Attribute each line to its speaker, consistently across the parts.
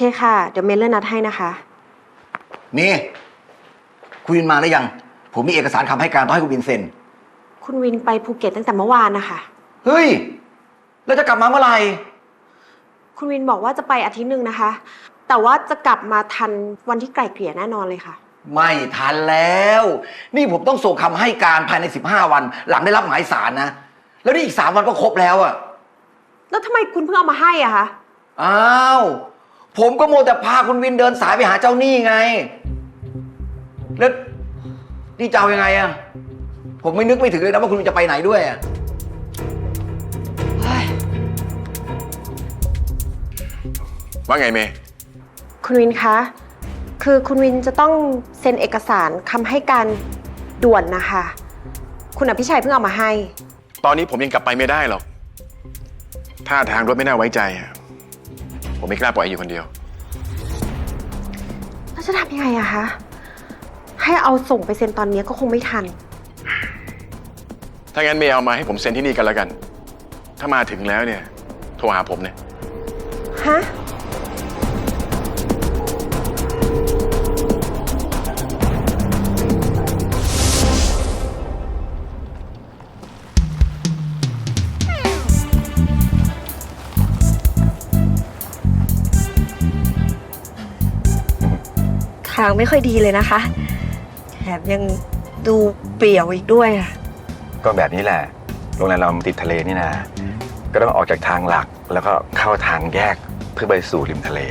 Speaker 1: ค่ะ เดี๋ยวเมย์เลื่อนนัดให้นะคะ
Speaker 2: เมย์คุณวินมาหรือยังผมมีเอกสารคำให้การต้องให้คุณวินเซ็น
Speaker 1: คุณวินไปภูเก็ตตั้งแต่เมื่อวานนะคะ
Speaker 2: เฮ้ยแล้วจะกลับมาเมื่อไหร่
Speaker 1: คุณวินบอกว่าจะไปอาทิตย์หนึ่งนะคะ แต่ว่าจะกลับมาทันวันที่ไกล่เกลี่ยแน่นอนเลยค่ะ
Speaker 2: ไม่ทันแล้วนี่ผมต้องส่งคำให้การภายใน15 วันหลังได้รับหมายสารนะแล้วนี่อีก3 วันก็ครบแล้วอะ
Speaker 1: แล้วทำไมคุณเพิ่งเอามาให้อะคะ
Speaker 2: อ้าวผมก็โมวแต่พาคุณวินเดินสายไปหาเจ้าหนี้ไงแล้วนี่จะเอายังไงอะผมไม่นึกไม่ถึงเลยนะว่าคุณวินจะไปไหนด้วยอะ
Speaker 3: ว่าไงเมย์
Speaker 1: คุณวินคะคือคุณวินจะต้องเซ็นเอกสารคำให้การด่วนนะคะคุณอภิชัยเพิ่งเอามาให้
Speaker 3: ตอนนี้ผมยังกลับไปไม่ได้หรอกท่าทางรถไม่น่าไว้ใจอะผมไม่กล้าปล่อยอยู่คนเดียว
Speaker 1: แล้วจะทำยังไงอะคะให้เอาส่งไปเซ็นตอนนี้ก็คงไม่ทัน
Speaker 3: ถ้างั้นเมย์เอามาให้ผมเซ็นที่นี่กันแล้วกันถ้ามาถึงแล้วเนี่ยโทรหาผมเนี่ย
Speaker 1: ฮะทางไม่ค่อยดีเลยนะคะแถมยังดูเปรี่ยวอีกด้วยอะ
Speaker 4: ก็แบบนี้แหละโรงแรมเราติดทะเลนี่นะก็ต้องออกจากทางหลักแล้วก็เข้าทางแยกเพื่อไปสู่ริมทะเล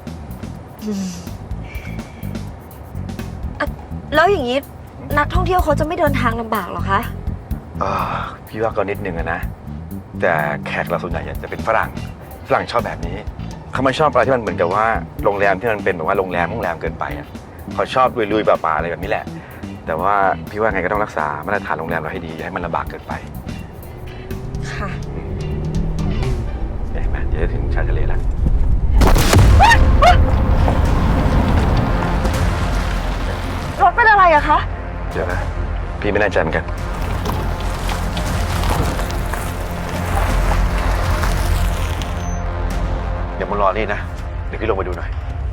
Speaker 5: แล้วอย่างนี้นักท่องเที่ยวเขาจะไม่เดินทางลำบากหรอคะ
Speaker 4: พี่ว่าก็นิดนึงนะแต่แขกเราส่วนใหญ่จะเป็นฝรั่งชอบแบบนี้เขาไม่ชอบอะไรที่มันเหมือนกับว่าโรงแรมที่มันเป็นแบบว่าโรงแรมเกินไปอ่ะเขาชอบลุยๆป่าๆอะไรแบบนี้แหละแต่ว่าพี่ว่าไงก็ต้องรักษามาตรฐานโรงแรมเราให้ดีอย่าให้มันลำบากเกินไป
Speaker 1: ค่ะ
Speaker 4: เห็นไหมเดี๋ยวจะถึงชายทะเลแล้ว
Speaker 5: รถเป็นอะไรอะคะ
Speaker 4: เดี๋ยวนะพี่ไม่แน่ใจเหมือนกันเดี๋ยวมึงรอนี่นะเดี๋ยวพี่ลงไปดูหน่อย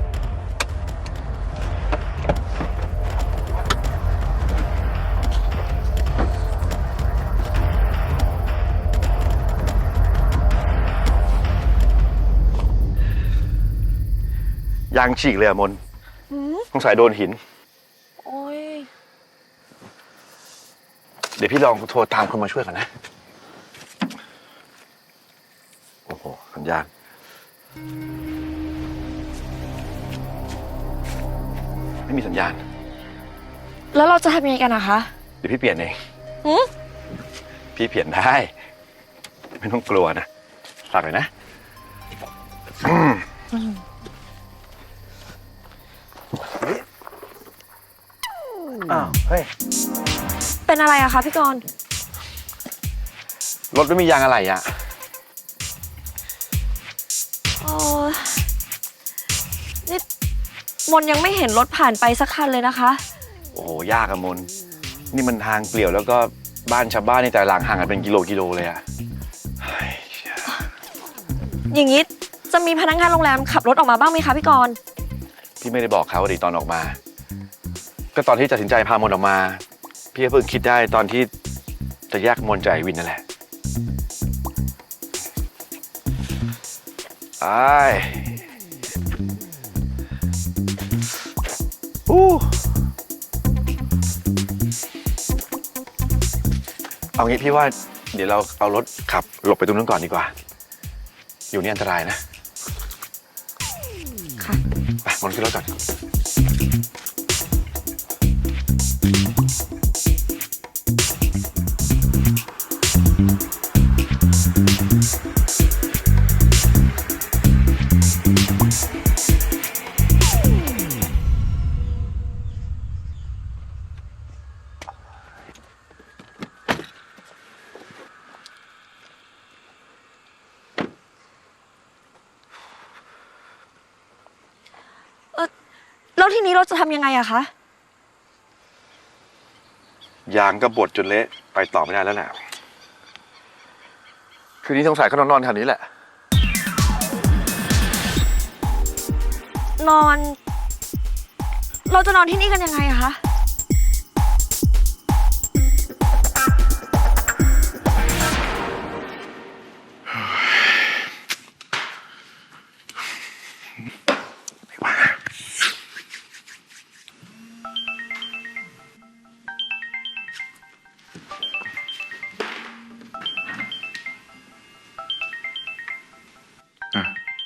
Speaker 4: ยางฉีกเลยอะมนสงสัยโดนหิน
Speaker 5: โอ้ย
Speaker 4: เดี๋ยวพี่ลองโทรตามคนมาช่วยก่อนนะโอ้โหสัญญาณไม่มีสัญญาณ
Speaker 5: แล้วเราจะทำยังไงกันนะคะ
Speaker 4: เดี๋ยวพี่เปลี่ยนเองพี่เปลี่ยนได้ไม่ต้องกลัวนะฝากเลยนะอ้าวเฮ้ย
Speaker 5: เป็นอะไรอะคะพี่กรณ์
Speaker 4: รถไม่มียางอะไรอะ
Speaker 5: นี่มนยังไม่เห็นรถผ่านไปสักคันเลยนะคะ
Speaker 4: โอ้โหยากอะมนนี่มันทางเปลี่ยวแล้วก็บ้านชาวบ้านในแต่หลังห่างกันเป็นกิโลเลยอะ
Speaker 5: อย่างนี้จะมีพนักงานโรงแรมขับรถออกมาบ้างไหมคะพี่กรณ์
Speaker 4: พี่ไม่ได้บอกเขาดิตอนออกมาก็ตอนที่ตัดสินใจพามนออกมาพี่ก็เพิ่งคิดได้ตอนที่จะแยกมนจากไอ้วินนั่นแหละเอางี้พี่ว่าเดี๋ยวเราเอารถขับหลบไปตรงนู้นก่อนดีกว่าอยู่นี่อันตรายนะ
Speaker 5: ค่ะ
Speaker 4: ไปมนขึ้นรถก่อน
Speaker 5: แล้วทีนี้เราจะทำยังไงอะคะ
Speaker 4: ยางก็บดจนเละไปต่อไม่ได้แล้วแหละคืนนี้สงสัยเขานอนแถวนี้แหละ
Speaker 5: นอน เราจะนอนที่นี่กันยังไงอะคะ
Speaker 3: อ่ะ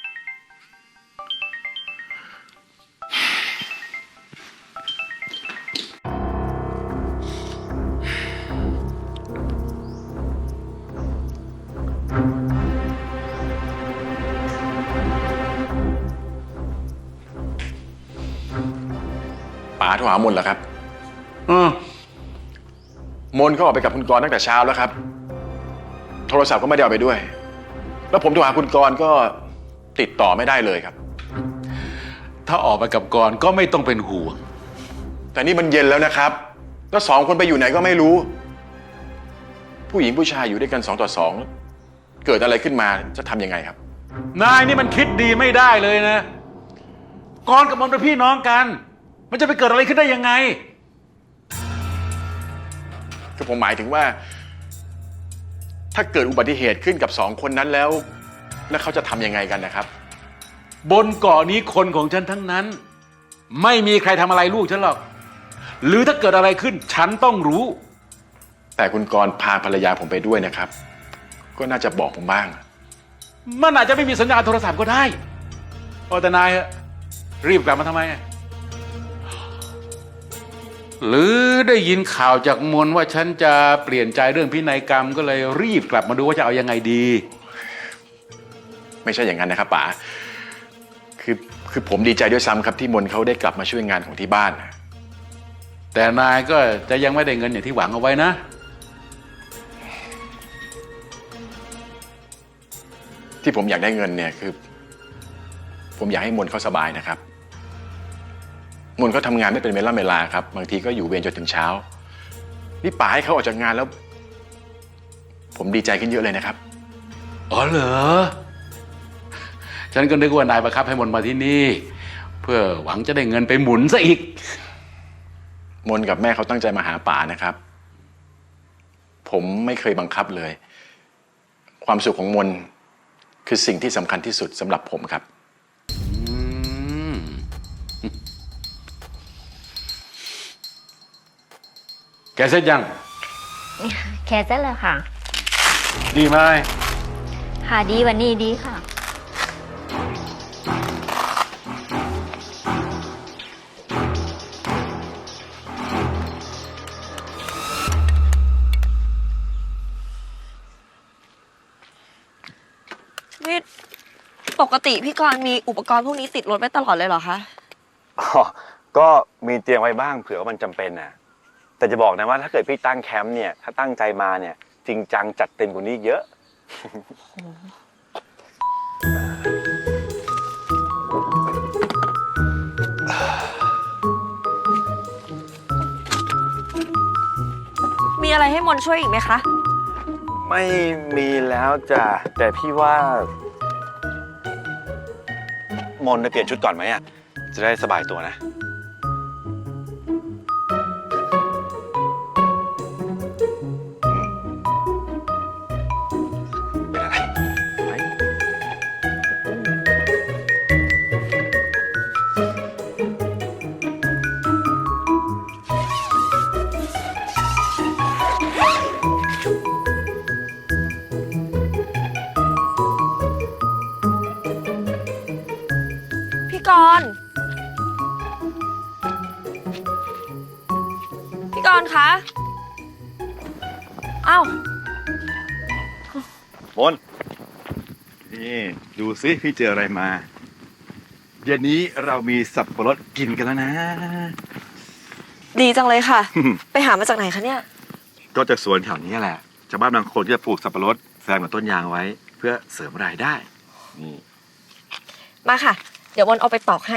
Speaker 3: ป๋าโทรหามนเหรอครับ มนเขาออกไปกับคุณกรณ์ตั้งแต่เช้าแล้วครับ โทรศัพท์ก็ไม่ได้เอาไปด้วย แล้วผมโทรหาคุณกรณ์ก็ติดต่อไม่ได้เลยครับ
Speaker 6: ถ้าออกไปกับกรก็ไม่ต้องเป็นห่วง
Speaker 3: แต่นี่มันเย็นแล้วนะครับ แล้ว2 คนไปอยู่ไหนก็ไม่รู้ ผู้หญิงผู้ชายอยู่ด้วยกัน2 ต่อ 2 เกิดอะไรขึ้นมาจะทำยังไงครับ
Speaker 6: นายนี่มันคิดดีไม่ได้เลยนะ กรกับมนเป็นพี่น้องกัน มันจะไปเกิดอะไรขึ้นได้ยังไง
Speaker 3: คือผมหมายถึงว่า ถ้าเกิดอุบัติเหตุขึ้นกับ2 คนนั้นแล้วเขาจะทำยังไงกันนะครับ
Speaker 6: บนเกาะนี้คนของฉันทั้งนั้น ไม่มีใครทำอะไรลูกฉันหรอก หรือถ้าเกิดอะไรขึ้นฉันต้องรู้
Speaker 3: แต่คุณกรณ์พาภรรยาผมไปด้วยนะครับ ก็น่าจะบอกผมบ้าง
Speaker 6: มันอาจจะไม่มีสัญญาณโทรศัพท์ก็ได้แต่นายอะรีบกลับมาทำไมอะหรือได้ยินข่าวจากมนว่าฉันจะเปลี่ยนใจเรื่องพินัยกรรมก็เลยรีบกลับมาดูว่าจะเอายังไงดี
Speaker 3: ไม่ใช่อย่างนั้นนะครับป๋าคือผมดีใจด้วยซ้ำครับที่มนเขาได้กลับมาช่วยงานของที่บ้าน
Speaker 6: แต่นายก็จะยังไม่ได้เงินอย่างที่หวังเอาไว้นะ
Speaker 3: ที่ผมอยากได้เงินเนี่ยคือ ผมอยากให้มนเขาสบายนะครับ มนเขาทำงานไม่เป็นเวลาครับบางทีก็อยู่เวรจนถึงเช้านี่ป๋าให้เขาออกจากงานแล้ว ผมดีใจขึ้นเยอะเลยนะครับ
Speaker 6: อ๋อเหรอ ฉันก็นึกว่านายบังคับให้มนมาที่นี่ เพื่อหวังจะได้เงินไปหมุนซะอีก
Speaker 3: มนกับแม่เขาตั้งใจมาหาป๋านะครับ ผมไม่เคยบังคับเลย ความสุขของมนคือสิ่งที่สำคัญที่สุดสำหรับผมครับ
Speaker 6: แกเสร็จยัง
Speaker 7: แค่เสร็จแล้วค่ะ
Speaker 6: ดีไหม
Speaker 7: ค่ะดีวันนี้ดีค่ะ
Speaker 5: นี่ปกติพี่กรณ์มีอุปกรณ์พวกนี้ติดรถไว้ตลอดเลยเหรอคะ
Speaker 4: อ๋อก็มีเตรียมไว้บ้างเผื่อว่ามันจำเป็นน่ะ แต่จะบอกนะว่าถ้าเกิดพี่ตั้งแคมป์เนี่ย ถ้าตั้งใจมาเนี่ยจริงจังจัดเต็มกว่านี้เยอะ
Speaker 5: มีอะไรให้มนช่วยอีกไหมคะ
Speaker 4: ไม่มีแล้วจ้ะแต่พี่ว่า มนต์ไปเปลี่ยนชุดก่อนไหมอ่ะ จะได้สบายตัวนะ เป็นอะไรไป
Speaker 5: พี่กรณ์พี่กรณ์คะอ้าว
Speaker 4: มนต์นี่ดูสิพี่เจออะไรมาเย็นนี้เรามีสับปะรดกินกันแล้วนะ
Speaker 5: ดีจังเลยค่ะ ไปหามาจากไหนคะเนี่ย
Speaker 4: ก็จากสวนแถวนี้แหละชาวบ้านบางคนก็จะปลูกสับปะรดแซมกับต้นยางไว้ เพื่อเสริมรายได้นี่
Speaker 5: มาค่ะ เดี๋ยวมนเอาไปปอกให้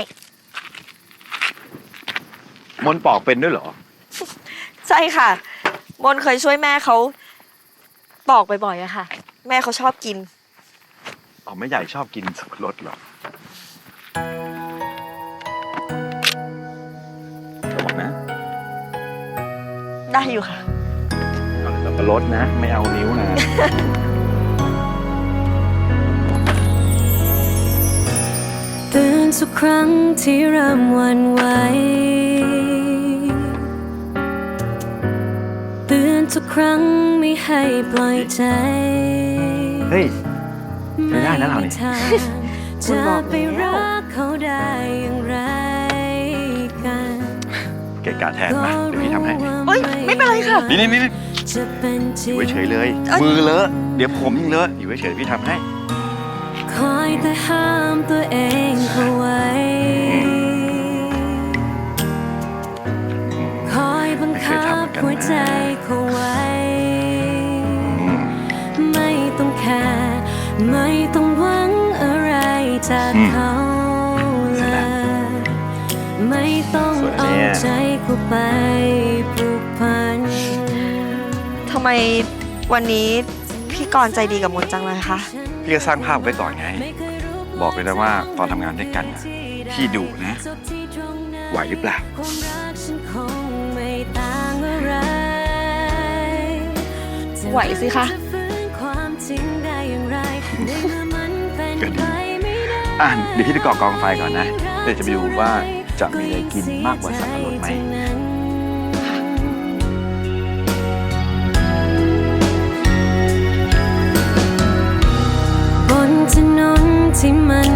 Speaker 4: มนต์ปอกเป็นด้วยเหรอ
Speaker 5: ใช่ค่ะ มนเคยช่วยแม่เขาปอกบ่อยๆอะค่ะ แม่เขาชอบกิน
Speaker 4: อ๋อแม่ใหญ่ชอบกินสับปะรดเหรอ
Speaker 5: ได้อยู่ค่ะ
Speaker 4: เอาสับปะรดนะ ไม่เอานิ้วนะ
Speaker 8: เตือนทุกครั้งที่เริ่มหวันไหวเตือนทุกครั้งไม่ให้ปล่อยใจ
Speaker 4: เฮ้ย ไม่ได้นะเราเนี่ย
Speaker 8: จะไปรักเขาได้อย่างไรกัน
Speaker 4: เกะกะแทนมาเดี๋ยวพี่ทำให้
Speaker 5: เอ้ย ไม่เป็นไรค่ะ
Speaker 4: นี่
Speaker 8: จะเป็นจ
Speaker 4: อ
Speaker 8: ริง
Speaker 4: ยู่เฉยๆเลย มือเลอะ เดี๋ยวผมยิ่งเลอะ อยู่เฉยๆพี่ทำให้
Speaker 8: คอยแต่ห้ามตัวเองเอาไว้ คอยบังคับหัวใจเขาไว้ ไม่ต้องแคร์ไม่ต้องหวังอะไรจากเขาเลย ไม่ต้องเอาใจเขาไปผูกพัน
Speaker 5: ทำไมวันนี้พี่กรณ์ใจดีกับมนจังเลยคะ
Speaker 4: พี่ก็สร้างภาพไว้ก่อนไง บอกเลยนะว่าตอนทำงานด้วยกันน่ะพี่ดุนะ ไหวหรือเปล่า
Speaker 8: ความรักฉันคงไม่ต่างอะไร
Speaker 5: ไหวสิคะ
Speaker 8: จฟื้นความจริงได้อย่างไรในเมื่อมันเป็นไปไม่ได้
Speaker 4: อ่ะเดี๋ยวพี่ไปก่อกองไฟก่อนนะ เดี๋ยวจะไปดูว่าจะมีอะไรกินมากกว่าสับปะรดไหม
Speaker 8: บนถนนที่มัน